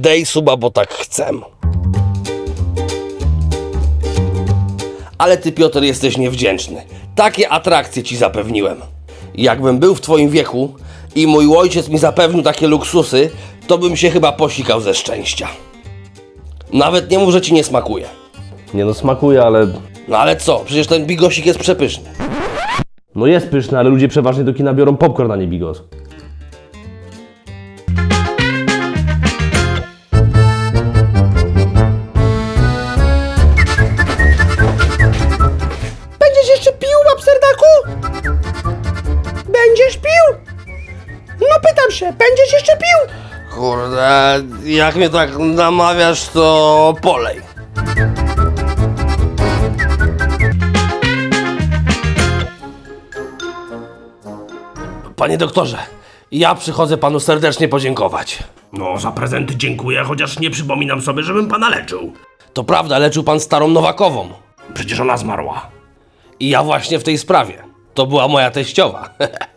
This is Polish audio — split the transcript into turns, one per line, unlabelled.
Dej suba, bo tak chcę. Ale ty, Piotr, jesteś niewdzięczny. Takie atrakcje ci zapewniłem. Jakbym był w twoim wieku i mój ojciec mi zapewnił takie luksusy, to bym się chyba posikał ze szczęścia. Nawet nie mów, że ci nie smakuje.
Nie no, smakuje, ale...
No ale co? Przecież ten bigosik jest przepyszny.
No jest pyszny, ale ludzie przeważnie do kina biorą popcorn, a nie bigos.
Będziesz jeszcze pił, łapserdaku? Będziesz pił? No pytam się, będziesz jeszcze pił? Kurde, jak mnie tak namawiasz, to polej. Panie doktorze, ja przychodzę panu serdecznie podziękować.
No, za prezenty dziękuję, chociaż nie przypominam sobie, żebym pana leczył.
To prawda, leczył pan starą Nowakową.
Przecież ona zmarła.
I ja właśnie w tej sprawie. To była moja teściowa.